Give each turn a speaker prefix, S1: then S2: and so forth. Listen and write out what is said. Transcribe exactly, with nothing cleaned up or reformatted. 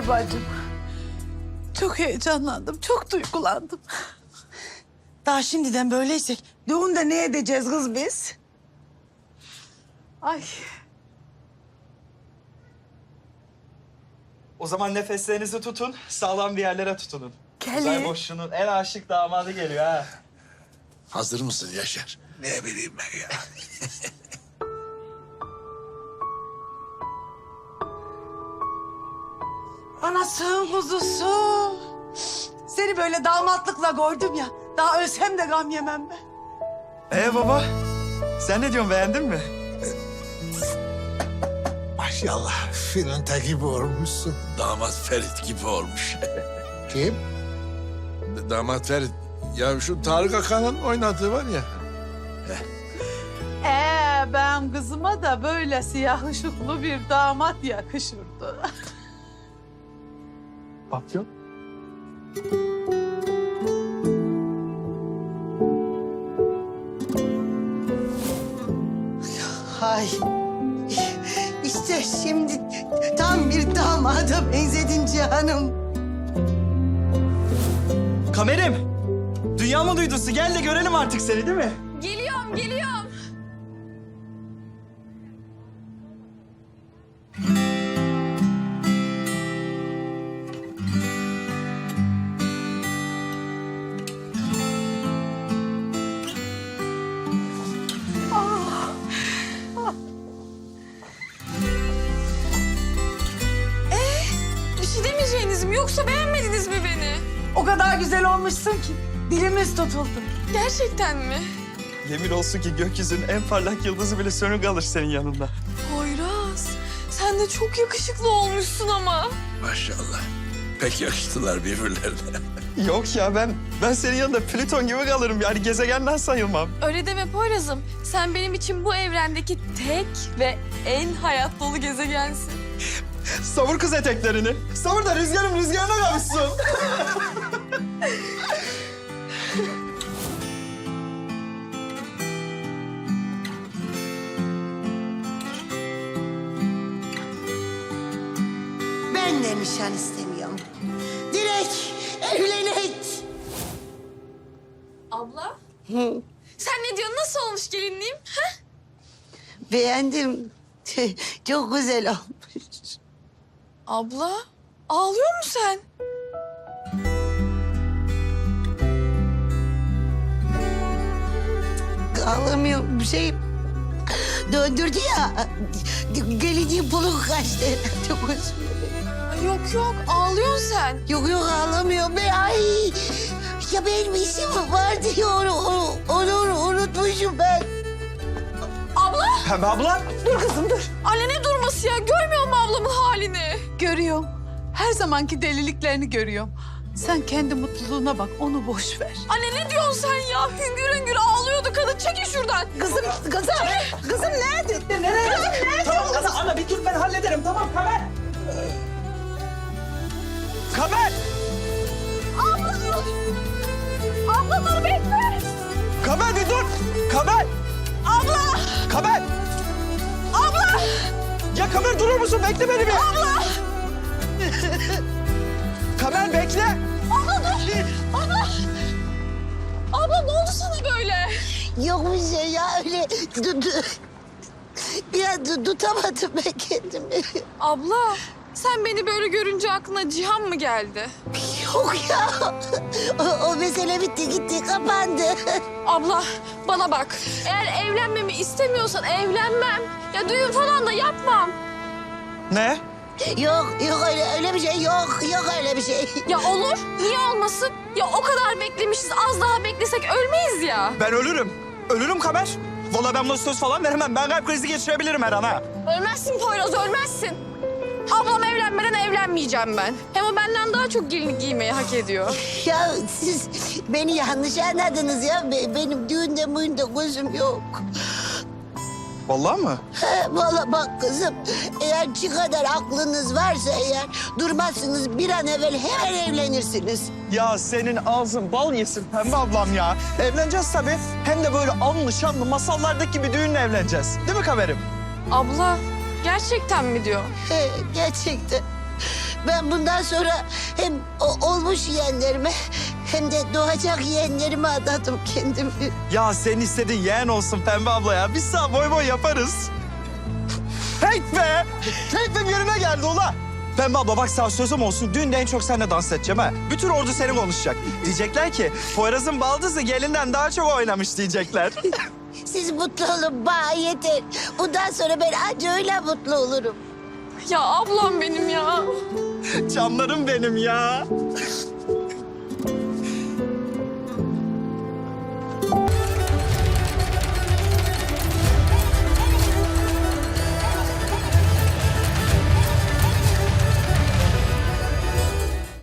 S1: Teşekkürler bacım. Çok heyecanlandım, çok duygulandım.
S2: Daha şimdiden böyleysek düğünde ne edeceğiz kız biz?
S1: Ay,
S3: O zaman nefeslerinizi tutun, sağlam bir yerlere tutunun.
S1: Kelly.
S3: Uzay boşluğunun en aşık damadı geliyor ha.
S4: Hazır mısın Yaşar? Ne bileyim ben ya.
S2: Anasın kuzusu. Seni böyle damatlıkla gördüm ya. Daha ölsem de gam yemem ben.
S3: Ee baba, sen ne diyorsun, beğendin mi?
S4: Maşallah Filinta gibi olmuşsun. Damat Ferit gibi olmuş. Kim? Damat Ferit. Ya şu Tarık Akan'ın oynadığı var ya.
S1: ee, ben kızıma da böyle siyah ışıklı bir damat yakışırdı.
S3: Papyon.
S2: Hay. İşte şimdi tam bir damada benzedin Cihan'ım.
S3: Kamerim, dünya mı duydusu? Gel de görelim artık seni, değil mi?
S5: Geliyorum, geliyorum. Bir şey demeyeceğiniz mi? Yoksa beğenmediniz mi beni?
S2: O kadar güzel olmuşsun ki dilimiz tutuldu.
S5: Gerçekten mi?
S3: Yemin olsun ki gökyüzünün en parlak yıldızı bile sönük kalır senin yanında.
S5: Poyraz, sen de çok yakışıklı olmuşsun ama.
S4: Maşallah. Pek yakıştılar birbirlerine.
S3: Yok ya, ben ben senin yanında Plüton gibi kalırım. Yani gezegenden sayılmam.
S5: Öyle deme Poyraz'ım. Sen benim için bu evrendeki tek ve en hayat dolu gezegensin.
S3: Savur kız eteklerini. Savur da rüzgarım rüzgarına kavuşsun.
S2: Ben de nişan istemiyorum. Direkt evlenek.
S5: Abla? Sen ne diyorsun? Nasıl olmuş gelinliğim? Ha?
S2: Beğendim. Çok güzel olmuş.
S5: Abla, ağlıyor musun sen?
S2: Ağlamıyorum bir şey döndürdü ya. Geleceğim puluk kaçtı. Çok hoşuma.
S5: Ay yok yok, ağlıyorsun sen.
S2: Yok yok ağlamıyorum ben. Ay. Ya benim işim vardı ya onu, onu, onu unutmuşum ben.
S5: Abla!
S3: Pembe abla.
S2: Dur kızım dur.
S5: Anne ne durması ya? Görmüyor musun ablamın halini?
S1: Görüyorum, her zamanki deliliklerini görüyorum. Sen kendi mutluluğuna bak, onu boş ver.
S5: Anne ne diyorsun sen ya? Hüngür hüngür ağlıyordu kadın. Çekil şuradan.
S2: Kızım, kızım. Kızım nerede? Nereye?
S3: Tamam ana, ana bir dur, ben hallederim. Tamam Kamer. Kamer.
S5: Abla dur. Abla dur bekle.
S3: Kamer bir dur. Kamer.
S5: Abla.
S3: Kamer.
S5: Abla.
S3: Ya Kamer durur musun? Bekle beni bir.
S5: Abla.
S3: Kamer bekle.
S5: Abla dur. Abla. Abla ne oldu sana böyle?
S2: Yok bir şey ya öyle. Du, du, bir an du- tutamadım ben kendimi.
S5: Abla sen beni böyle görünce aklına Cihan mı geldi?
S2: Yok ya. O, o mesele bitti gitti kapandı.
S5: Abla bana bak. Eğer evlenmemi istemiyorsan evlenmem. Ya düğün falan da yapmam.
S3: Ne?
S2: Yok yok öyle öyle bir şey yok. Yok öyle bir şey.
S5: Ya olur. Niye olmasın? Ya o kadar beklemişiz. Az daha beklesek ölmeyiz ya.
S3: Ben ölürüm. Ölürüm Kamer. Vallahi ben buna söz falan veremem. Ben kalp krizi geçirebilirim her an ha.
S5: Ölmezsin Poyraz, ölmezsin. Ablam evlenmeden evlenmeyeceğim ben. Hem o benden daha çok gelinlik giymeyi hak ediyor.
S2: Ya siz beni yanlış anladınız ya. Be- Benim düğünde müğünde gözüm yok.
S3: Vallahi mı?
S2: He, vallahi bak kızım, eğer şu kadar aklınız varsa eğer durmazsınız bir an evvel hemen evlenirsiniz.
S3: Ya senin ağzın bal yesin Pembe ablam ya. Evleneceğiz tabii. Hem de böyle anlı şanlı masallardaki gibi düğünle evleneceğiz. Değil mi Kamer'im?
S5: Abla, gerçekten mi diyor?
S2: He, gerçekten. Ben bundan sonra hem o olmuş yeğenlerime hem de doğacak yeğenlerime adadım kendimi.
S3: Ya senin istediğin yeğen olsun Pembe abla ya. Biz sana boy boy yaparız. Hey be! Keyfim yerine geldi ula. Pembe abla bak sana sözüm olsun. Düğünde en çok seninle dans edeceğim ha. Bütün ordu seni konuşacak. Diyecekler ki Poyraz'ın baldızı gelinden daha çok oynamış diyecekler.
S2: Siz mutlu olun bana yeter. Bundan sonra ben anca öyle mutlu olurum.
S5: Ya ablam benim ya.
S3: Canlarım benim ya.